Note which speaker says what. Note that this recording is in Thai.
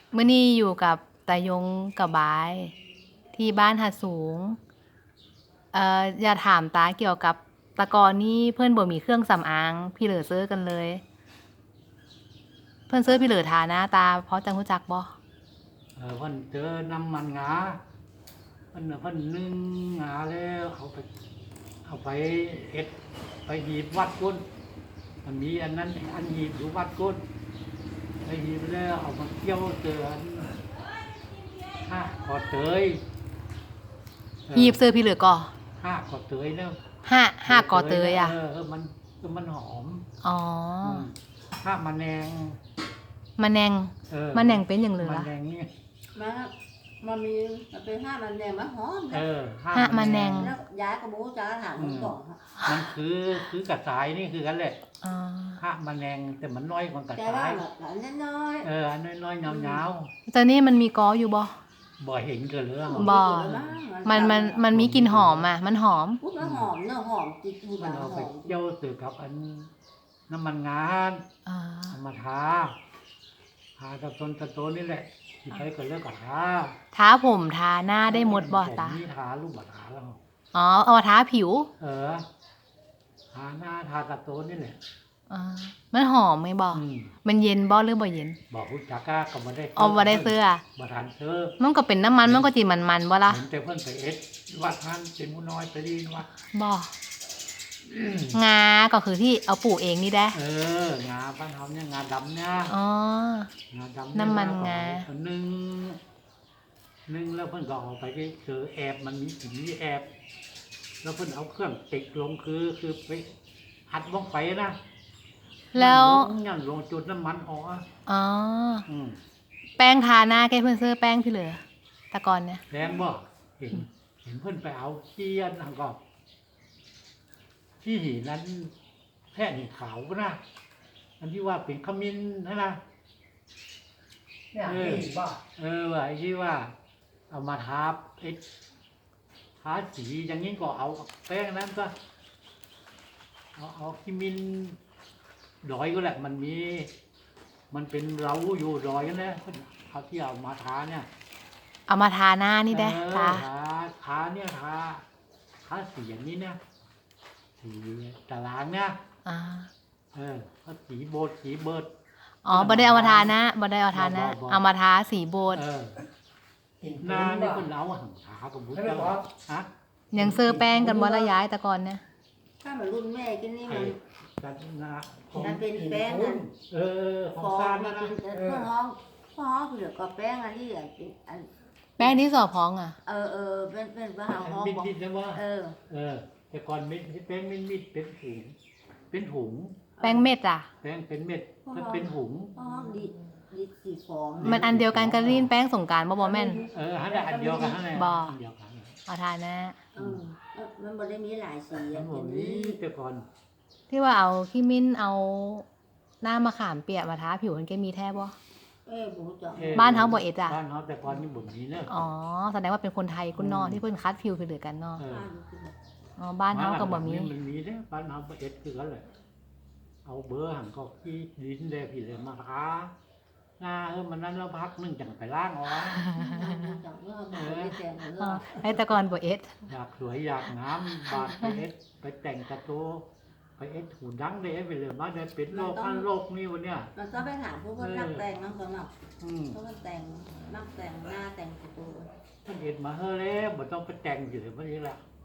Speaker 1: มื้อนี้อยู่กับตายงกับบายที่บ้านหาดสูงอย่าถามตาเกี่ยวกับแตะกอนนี่เพื่อนบ่มีเครื่องสำอางพี่เหลือซื้อกันเลย เพื่อนซื้อพี่เหลือทาหน้าตาเพราะจังรู้จักบ่
Speaker 2: เพิ่นเจอน้ำมันงาเพิ่นนึ่งงาแล้วเอาไปเอ็ดไปหีบวัดก้นมันมีอันนั้นอันหีบอยู่วัดก้นไปหีบแล้วเอามาเกี่ยวเจออันห้าขอเตย
Speaker 1: หีบซื้อพี่เหลือก่อ
Speaker 2: ห้าขอเตยแล้ว
Speaker 1: ห้ากอเตยอ่ะ
Speaker 2: มันหอม
Speaker 1: อ๋อ
Speaker 2: ห้ามันแนง
Speaker 1: มะแนงมะแนงเป็นอย่างเหลือ
Speaker 2: มันแนงนี่
Speaker 3: มันมีมันเป็นห้ามันแดงมะหอม
Speaker 1: ห้ามันแนง
Speaker 3: แล้วย้ายกระบูจะถามมึงก่อนครับ
Speaker 2: มันคือกระสายนี่คือกันแหละ
Speaker 1: อ๋อ
Speaker 2: ห้ามันแนงแต่มันน้อยกว่ากระ
Speaker 3: แต่
Speaker 2: สา
Speaker 3: ว่าย แบบน้อย
Speaker 2: อันน้อยๆยาว
Speaker 1: ตอนนี้มันมีกออยู่บ่
Speaker 2: ๆบ่เห็นกันเลย
Speaker 3: ๆ
Speaker 1: บ่ มันมีกลิ่นหอมอ่ะ มันหอม
Speaker 3: ปุ๊บแล้วหอมเนื้อหอมติดหู
Speaker 2: มัน
Speaker 3: ห
Speaker 2: เอา
Speaker 3: อ
Speaker 2: ไป
Speaker 3: ม
Speaker 2: เกี่ยวสือกับอันน้ำมันงาน
Speaker 1: อ่า
Speaker 2: เอามาทากับต้นนี่แหละที่ใช้กันเลิกกับทา
Speaker 1: ทาผมทาหน้าได้หมดบ่ตา
Speaker 2: ผมนี่ทาลูกบาทาแล้ว
Speaker 1: อ๋อ เอามาทาผิว
Speaker 2: ทาหน้าทากับต้นนี่แหละ
Speaker 1: อ่า มันหอมไหมบ่
Speaker 2: อืม
Speaker 1: มันเย็นบ่หรือบ่เย็น
Speaker 2: บอกคุณจักก้าก็มาได้
Speaker 1: เอาบ่ได้เสื้อ
Speaker 2: บ่ทันเสื้อ
Speaker 1: มันก็เป็นน้ำมัน มันก็จิมันๆบ่ล่ะ
Speaker 2: เห็นแต่เพิ่นไปเอ็ดวัดท่านเป็นผู้น้อยไปดีนวัด
Speaker 1: บ่งา ก็คือที่เอาปลูกเองนี่ได้
Speaker 2: งาบ้านเฮาเนี่ยงาดำเนี่ย
Speaker 1: อ๋อ
Speaker 2: งาดำเย
Speaker 1: น้ำมันงา
Speaker 2: เอนึ่งแล้วเพิ่นก็เอาไปเจอแอบมันมีสีแอบ แล้วเพิ่นเอาเครื่องติดลงคือไปอัดลงไปนะ
Speaker 1: แล้ว
Speaker 2: ย่างลงจุดน้ำมันออกอะ
Speaker 1: อ๋อ
Speaker 2: อืม
Speaker 1: แป้งทาหน้าแกเพื่อนซื้อแป้งพี่เหลือแตะกอนเนี่ย
Speaker 2: แดงบ่เห็นเพิ่นไปเอาเจียนอังก็ที่หินนั้นแท่หินขาวนะอันที่ว่าเป็นขมิ้นนะ
Speaker 3: เนี่ย
Speaker 2: ว่าไอ้ที่ว่า เอามาทาทาสีอย่างนี้ก็เอาแป้งนั้นก็ เอาขมิ้นดอยก็แหละมันเป็นเราอยู่ดอยกันนะเอาที่เอามาทาเนี่ย
Speaker 1: เอามาทาหน้านี่ได้ตา
Speaker 2: ทาเนี่ยทาสีอย่างนี้เนี่ยสีตารางเนี่ย
Speaker 1: อ่า
Speaker 2: ก็สีโบดสีเบิด
Speaker 1: อ๋อบ่ได้เอามาทาหน้าบ่ได้เอาทาหน้า
Speaker 2: บ่
Speaker 1: เอามาทาสีโบสถ์
Speaker 2: หน้านี่คนเอาหังขากับบุตรเจ้าฮะ
Speaker 1: ยังซื้อแป้งกันบ่ละย้ายแตะกอนเนี่ย
Speaker 3: ถ้ามันรุ่นแม่กินนี่มัน
Speaker 2: จัดนาของ
Speaker 3: มันเป็นแป้งนั่น
Speaker 2: ของ
Speaker 3: ฟอง
Speaker 2: ซาน
Speaker 3: มั
Speaker 2: นะ
Speaker 3: นเป็นเพื่อห้องเหลือก็แป้งอันนี้เป็นอัน
Speaker 1: แป้งที่สอพองอ่ะ
Speaker 3: เป็นว่าห้อง
Speaker 2: มิด
Speaker 3: บอก
Speaker 2: มิดนะว่าแต่ก่อนมิดแป้งมิดเป็นถุง
Speaker 1: แป้งเม็ดอ่ะ
Speaker 2: แป้งเป็นเม็ดถ้าเป็นถุง
Speaker 3: ห้องดีสีฟอง
Speaker 1: มันอันเดียวกันกับลีนแป้งสงกรานต์บ่แม่น
Speaker 2: ฮันอันเดียวกันฮัน
Speaker 1: บ่
Speaker 2: อันเดียวกัน
Speaker 1: เอาทาหน้า
Speaker 3: มันบ่ได้มีหลายสี
Speaker 2: อั
Speaker 3: อย่าน ง
Speaker 2: บอก
Speaker 3: นี้
Speaker 2: นี้แต่ก่อน
Speaker 1: ที่ว่าเอาขี้มิ้นเอาหน้ามะขามเปียกมาทาผิวมันแกมีแท้บ่
Speaker 3: บูจัง
Speaker 1: บ้านเฮาบ่เอ็ดอ่ะ
Speaker 2: บ้านเฮาแต่ก่อนนี่บ่มีเนอะ
Speaker 1: อ๋อแสดงว่าเป็นคนไทยคุณนอที่เพิ่นคัดผิวคือเหลือกันเนาะ
Speaker 2: เออ
Speaker 1: อ๋อบ้านเฮาก็บ่มี
Speaker 2: มันมีเด้บ้านเฮาบ่เอ็ดคือกันแหละเอาเบอร์หังก็ขี้ดินแดพี่เลยมาทาหน้ามันนั้นแล้วพักนึงจังไปล้างออก
Speaker 3: จังเมื่อบ่ได้แต่งเมื่
Speaker 1: อ๋อ
Speaker 3: อ
Speaker 1: ให้แตะกอนบ่เอ็ด
Speaker 2: อยากสวยอยากงามบาดไปเอ็ดไปแต่งกระโตไปเอ็ดหูดังได้ไปเลยมาได้เป็นโรคอันโรคนี้วันเนี้ย
Speaker 3: มันก็ไปถามผู้คนนักแต่งน้องสมัคร
Speaker 2: อืม
Speaker 3: เขาก็แต่งนักแต่งหน้าแต่งตัว
Speaker 2: ท่านเอ็ดมาเฮ้อแล้วบ่ต้องไปแต่งอยู่เลยวันนี้ละ